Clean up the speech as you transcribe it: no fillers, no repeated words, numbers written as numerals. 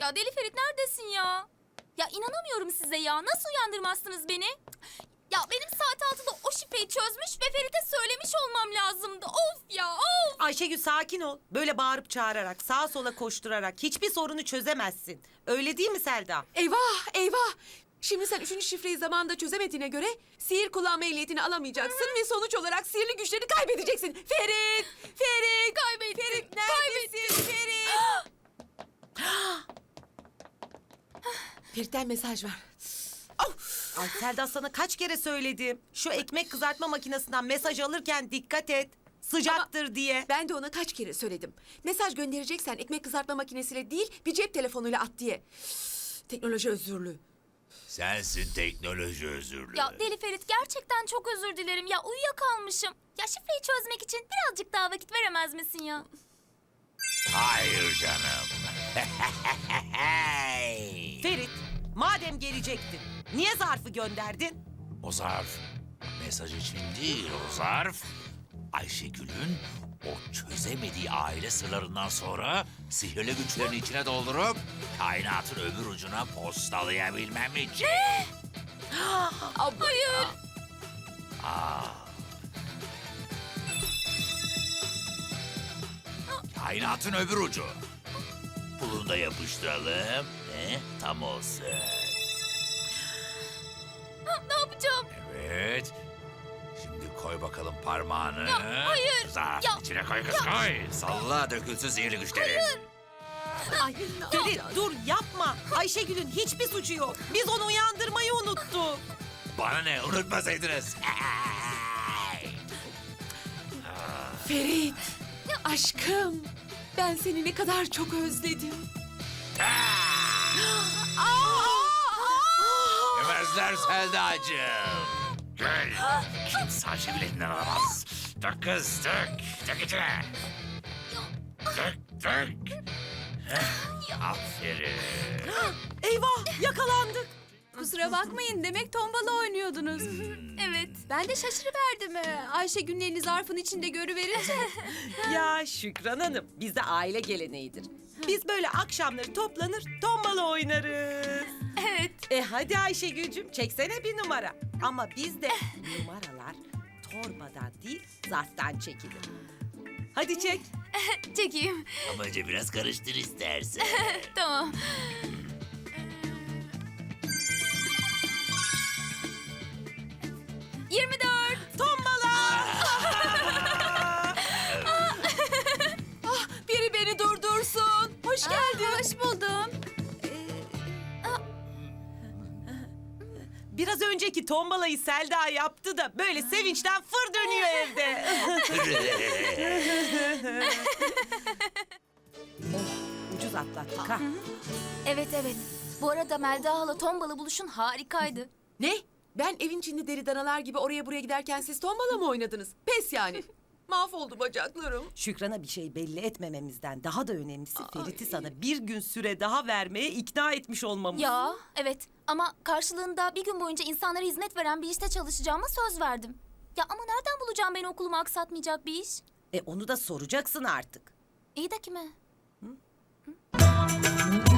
Ya Deli Ferit neredesin ya? Ya inanamıyorum size ya. Nasıl uyandırmazsınız beni? Ya benim saat 6'da o şifreyi çözmüş ve Ferit'e söylemiş olmam lazımdı. Of ya of. Ayşegül sakin ol. Böyle bağırıp çağırarak, sağa sola koşturarak hiçbir sorunu çözemezsin. Öyle değil mi Selda? Eyvah eyvah. Şimdi sen 3. şifreyi zamanında çözemediğine göre sihir kullanma ehliyetini alamayacaksın ve sonuç olarak sihirli güçlerini kaybedeceksin. Ferit! Ferit! Ferit neredesin Ferit? Ferit'ten mesaj var. Of! Ay Selda sana kaç kere söyledim. Şu ekmek kızartma makinesinden mesaj alırken dikkat et. Sıcaktır diye. Ben de ona kaç kere söyledim. Mesaj göndereceksen ekmek kızartma makinesiyle değil bir cep telefonuyla at diye. Teknoloji özürlü. Sensin teknoloji özürlü. Ya Deli Ferit gerçekten çok özür dilerim. Ya uyuyakalmışım. Ya şifreyi çözmek için birazcık daha vakit veremez misin ya? Hayır canım. Ferit, madem gelecektin, niye zarfı gönderdin? O zarf mesaj için değil, o zarf Ayşegül'ün o çözemediği aile sırlarından sonra sihirli güçlerini içine doldurup kainatın öbür ucuna postalayabilmem için. Hayır. Kainatın öbür ucu. Bunu da yapıştıralım. Tam olsun. Ne yapacağım? Evet. Şimdi koy bakalım parmağını. hayır. Zarfın Ya, içine koy kız koy. Salla dökülsün sihirli güçleri. Ay Ferit dur yapma. Ayşegül'ün hiçbir suçu yok. Biz onu uyandırmayı unuttuk. Bana ne unutmasaydınız. Ferit! Aşkım! Ben seni ne kadar çok özledim. Yemezler Selda'cığım. Gel. Kimse Ayşegül elinden alamaz. Dök kız dök. Dök içine. Dök dök. Aferin. Eyvah yakalandık. Kusura bakmayın, demek tombala oynuyordunuz. Evet. Ben de şaşırıverdim. Ayşegül'ün elini zarfın içinde görüverince. Ya Şükran Hanım, bizde aile geleneğidir. Biz böyle akşamları toplanır, tombala oynarız. Evet. Hadi Ayşegül'cüm, çeksene bir numara. Ama bizde numaralar torbadan değil, zarftan çekilir. Hadi çek. Çekeyim. Ama önce biraz karıştır istersen. Tamam. Tombala! Biri beni durdursun. Hoş geldin. Hoş buldum. Biraz önceki tombalayı Selda yaptı da böyle sevinçten fır dönüyor evde. Ucuz atlattık ha. Evet evet. Bu arada Melda hala tombala buluşun harikaydı. Ne? Ben evin içinde deri danalar gibi oraya buraya giderken siz tombala mı oynadınız? Pes yani. Mahvoldu bacaklarım. Şükran'a bir şey belli etmememizden daha da önemlisi Ferit'i sana bir gün süre daha vermeye ikna etmiş olmamız. Ya evet ama karşılığında bir gün boyunca insanlara hizmet veren bir işte çalışacağıma söz verdim. Ya ama nereden bulacağım beni okulumu aksatmayacak bir iş? Onu da soracaksın artık. İyi de kime? Hı?